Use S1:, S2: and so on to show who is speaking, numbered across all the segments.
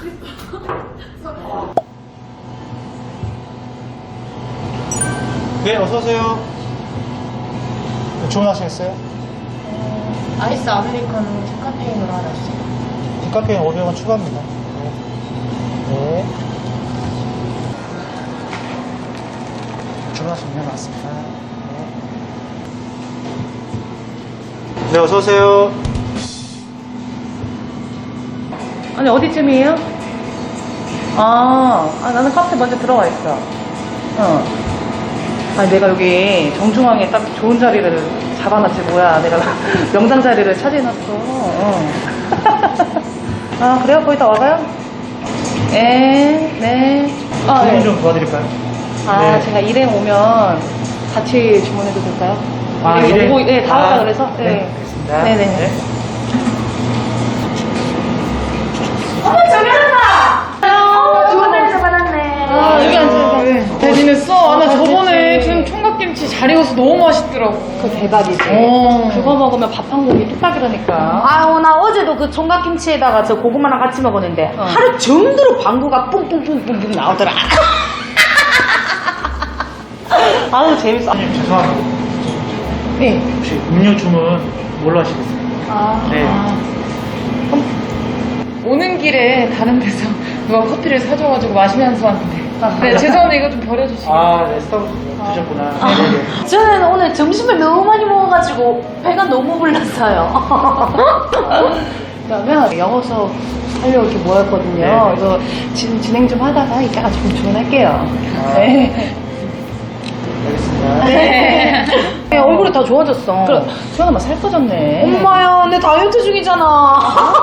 S1: 네, 어서오세요. 주문하시겠어요?
S2: 아이스 아메리카노 디카페인으로 하나 주세요.
S1: 디카페인 500원 추가합니다. 네. 주문하시면 나왔습니다. 네, 어서오세요.
S2: 아니 어디쯤이에요? 나는 카페 먼저 들어와 있어. 아니 내가 여기 정중앙에 딱 좋은 자리를 잡아놨지 뭐야. 내가 명당 자리를 차지해놨어. 그래요? 거기다 와봐요? 네.
S1: 주문
S2: 네.
S1: 좀 도와드릴까요? 네.
S2: 제가 일행 오면 같이 주문해도 될까요?
S1: 일행?
S2: 네, 다 왔다 그래서.
S1: 네, 알겠습니다.
S2: 네네.
S1: 네.
S3: 어머 저기 하나! 주문해서 받았네.
S2: 여기 앉아요.
S4: 잘 지냈어? 나 저번에 준 총각김치 잘 익어서 너무 맛있더라고.
S2: 그거 대박이지. 그거 먹으면 밥 한 공기 뚝딱이라니까.
S3: 아유 나 어제도 그 총각김치에다가 저 고구마랑 같이 먹었는데 하루 종일 방구가 뿡뿡뿡뿡뿡 나오더라.
S2: 아우 재밌어.
S1: 선생님, 죄송합니다.
S2: 네.
S1: 혹시 음료 주문 뭘로 하시겠어요? 네.
S4: 오는 길에 다른 데서 누가 커피를 사줘가지고 마시면서 왔는데. 네, 죄송한데 이거 좀 버려주시고.
S1: 네, 스타벅스 드셨구나. 네.
S3: 저는 오늘 점심을 너무 많이 먹어가지고 배가 너무 불렀어요.
S2: 그러면 영어 수업 하려고 이렇게 모였거든요.
S1: 네.
S2: 이거 지금 진행 좀 하다가 이따가 좀 주문할게요.
S1: 네. 알겠습니다.
S2: 네.
S3: 얼굴이 다 좋아졌어.
S2: 그럼 수연아 살 빠졌네.
S3: 엄마야 내 다이어트 중이잖아.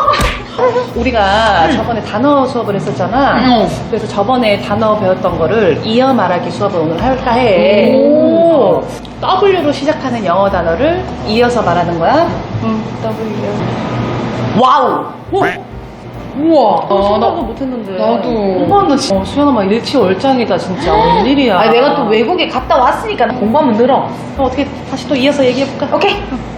S2: 우리가 저번에 단어 수업을 했었잖아. 그래서 저번에 단어 배웠던 거를 이어 말하기 수업을 오늘 할까 해.
S3: 오.
S2: W로 시작하는 영어 단어를 이어서 말하는 거야. W.
S3: 와우.
S4: 우와.
S2: 나 그거 못했는데.
S4: 나도.
S2: 엄마 나 진짜 수연아 막 일치월장이다 진짜. 웬일이야.
S3: 아니 내가 또 외국에 갔다 왔으니까 공부하면 늘어.
S2: 어떻게 다시 또 이어서 얘기해볼까?
S3: 오케이.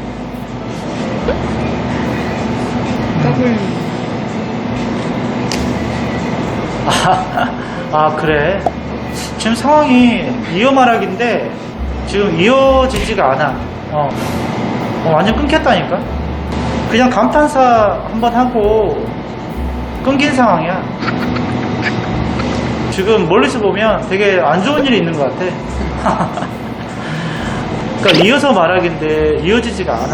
S1: 그래. 지금 상황이 이어 말하기인데 지금 이어지지가 않아. 완전 끊겼다니까. 그냥 감탄사 한번 하고 끊긴 상황이야. 지금 멀리서 보면 되게 안 좋은 일이 있는 것 같아. 그러니까 이어서 말하기인데 이어지지가 않아.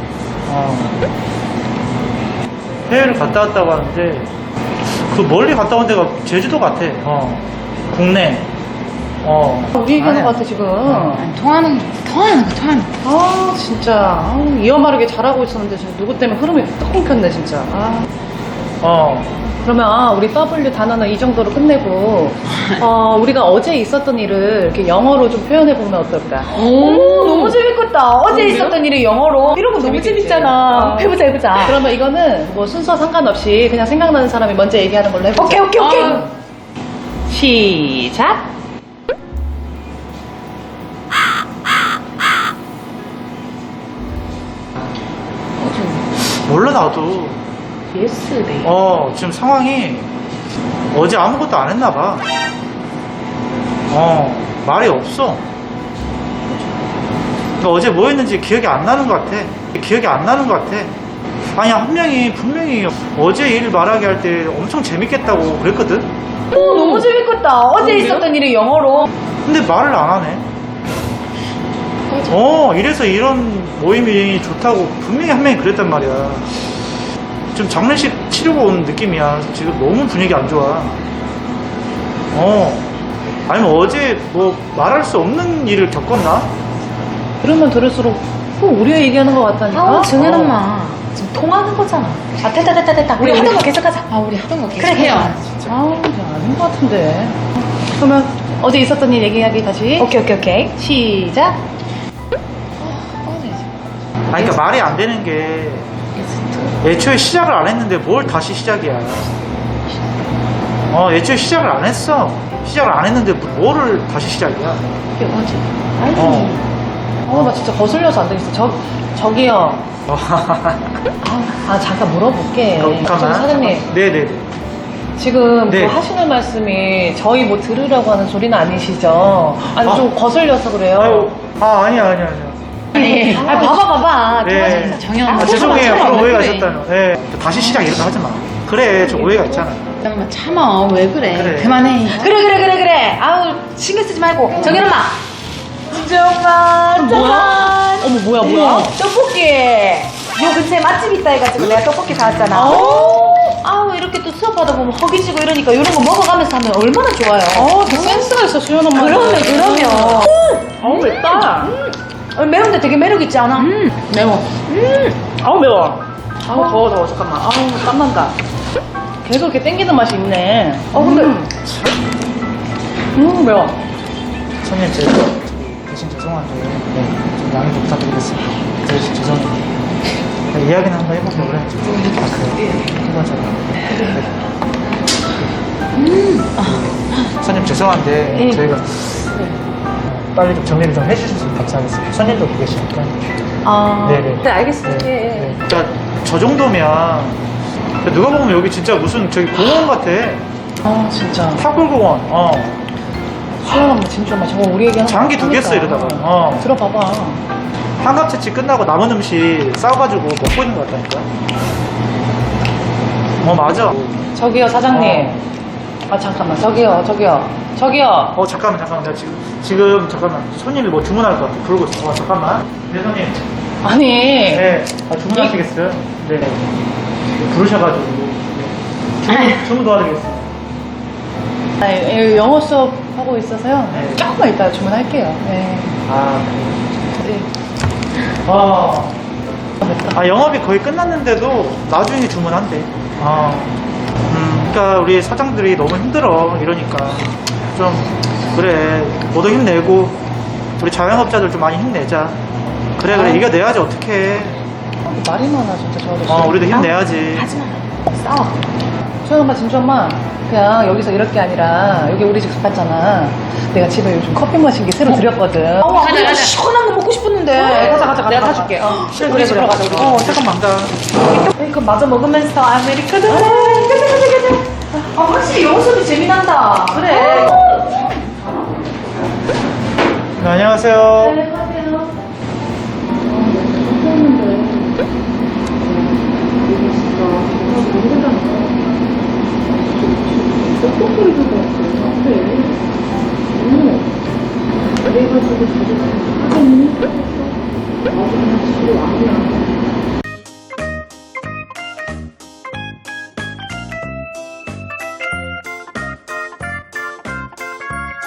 S1: 해외를 갔다 왔다고 하는데 그 멀리 갔다 온 데가 제주도 같아. 국내.
S2: 우리 얘기하는
S1: 아니야.
S2: 것 같아 지금.
S4: 통하는 거.
S2: 진짜 이어 말하기 잘하고 있었는데 지금 누구 때문에 흐름이 딱 끊겼네 진짜. 그러면 우리 W 단어는 이 정도로 끝내고 우리가 어제 있었던 일을 이렇게 영어로 좀 표현해 보면 어떨까?
S3: 오 너무 재밌겠다. 어제
S2: 그래요?
S3: 있었던 일이 영어로. 이런 거 너무
S2: 재밌겠지.
S3: 재밌잖아. 해보자.
S2: 그러면 이거는 뭐 순서 상관없이 그냥 생각나는 사람이 먼저 얘기하는 걸로 해보자.
S3: 오케이.
S2: 시작.
S1: 몰라 나도.
S2: 예스데이.
S1: 지금 상황이 어제 아무것도 안 했나 봐. 말이 없어. 그러니까 어제 뭐 했는지 기억이 안 나는 것 같아. 아니, 한 명이 분명히 어제 일 말하기 할 때 엄청 재밌겠다고 그랬거든?
S3: 오 너무 재밌겠다. 어제
S2: 그래요?
S3: 있었던 일이 영어로.
S1: 근데 말을 안 하네. 이래서 이런 모임이 좋다고 분명히 한 명이 그랬단 말이야. 지금 장례식 치르고 온 느낌이야. 지금 너무 분위기 안 좋아. 아니면 어제 뭐 말할 수 없는 일을 겪었나?
S2: 들으면 들을수록 꼭 우리가 얘기하는 것 같다니까.
S3: 정현 엄마 지금 통하는 거잖아. 됐다. 우리 하던 거 계속하자.
S4: 우리 하던 거 계속
S3: 그래.
S4: 해요.
S2: 이제 아닌 것 같은데. 그러면 어제 있었던 일 얘기하기 다시.
S3: 오케이.
S2: 시작.
S1: 그러니까 말이 안 되는 게 애초에 시작을 안 했는데 뭘 다시 시작이야. 애초에 시작을 안 했어. 시작을 안 했는데 뭐를 다시 시작이야.
S2: 이게 뭐지? 나 진짜 거슬려서 안 되겠어. 저기요. 잠깐 물어볼게. 저기 사장님.
S1: 네네네.
S2: 지금
S1: 네.
S2: 그 하시는 말씀이 저희 뭐 들으라고 하는 소리는 아니시죠? 아니,
S1: 아.
S2: 좀 거슬려서 그래요.
S1: 아유, 아니야.
S3: 네. 아, 봐봐.
S1: 네.
S4: 정연
S1: 죄송해요. 그런 오해가 있었다는. 네. 다시 시작 이렇게 하지 마. 그래, 저 오해가 있잖아.
S4: 잠깐만 참아. 왜 그래?
S1: 그래.
S4: 그만해.
S3: 그래. 아우, 신경 쓰지 말고. 정연 엄마. 정말
S2: 뭐야? 어머, 뭐야?
S3: 떡볶이. 요 근처에 맛집 있다 해가지고 내가 떡볶이 사왔잖아. 아우, 이렇게 또 수업하다 보면 허기지고 이러니까 이런 거 먹어가면서 하면 얼마나 좋아요.
S2: 더 센스가 있어, 수연 엄마.
S3: 그러면.
S2: 어우, 맵다.
S3: 매운데 되게 매력있지 않아?
S4: 매워.
S2: 아우, 매워. 아우, 더워. 잠깐만. 아우, 땀난다. 계속 이렇게 땡기는 맛이 있네.
S3: 근데.
S2: 매워.
S1: 손님, 제가 대신 죄송한데, 좀 양해 좀 부탁드리겠습니다. 대신 죄송해요. 이야기는 한번 해볼게요. 그래. 그래요. 손님 죄송한데 저희가 빨리 좀 정리를 좀 해주셔서 감사하겠습니다. 손님도 계시니까. 네네.
S2: 네, 알겠습니다.
S1: 네. 그러니까 저 정도면 누가 보면 여기 진짜 무슨 저기 공원 같아.
S2: 아, 진짜.
S1: 탑골공원.
S2: 수연 엄마 진짜 엄마 저거 우리 얘기하는
S1: 장기 두 개 써 이러다가.
S2: 들어봐봐.
S1: 한갑채치 끝나고 남은 음식 싸가지고 먹고 있는 것 같다니까. 맞아.
S2: 저기요, 사장님. 아, 잠깐만. 저기요.
S1: 잠깐만. 내가 지금 잠깐만. 손님이 뭐 주문할 것 같아. 부르고 있어. 잠깐만. 네, 손님.
S2: 아니.
S1: 네. 주문하시겠어요? 네. 부르셔가지고. 주문 도와드리겠습니다.
S2: 아니, 영어 수업 하고 있어서요.
S1: 네.
S2: 조금만 이따 주문할게요. 네. 네.
S1: 영업이 거의 끝났는데도 나중에 주문한대. 그러니까 우리 사장들이 너무 힘들어. 이러니까. 좀, 그래. 모두 힘내고, 우리 자영업자들 좀 많이 힘내자. 그래. 이겨내야지, 어떡해.
S2: 말이 많아, 진짜 저 아저씨.
S1: 우리도 힘내야지.
S3: 하지마. 싸워.
S2: 수연 엄마, 진주 엄마. 그냥 여기서 이럴 게 아니라, 여기 우리 집 가깝잖아. 내가 집에 요즘 커피 마신 게 새로 들였거든.
S3: 가자. 시원한 거 먹고 싶었는데.
S2: 가자. 내가 사줄게. 그래. 가자, 우리.
S1: 잠깐만.
S3: 이거 마저 먹으면서 아메리카노. 가자. 확실히 영어 수업이 재미난다. 그래.
S1: 네, 안녕하세요.
S2: 그래가지고 자주 하더니 나중에 집에 왕이야.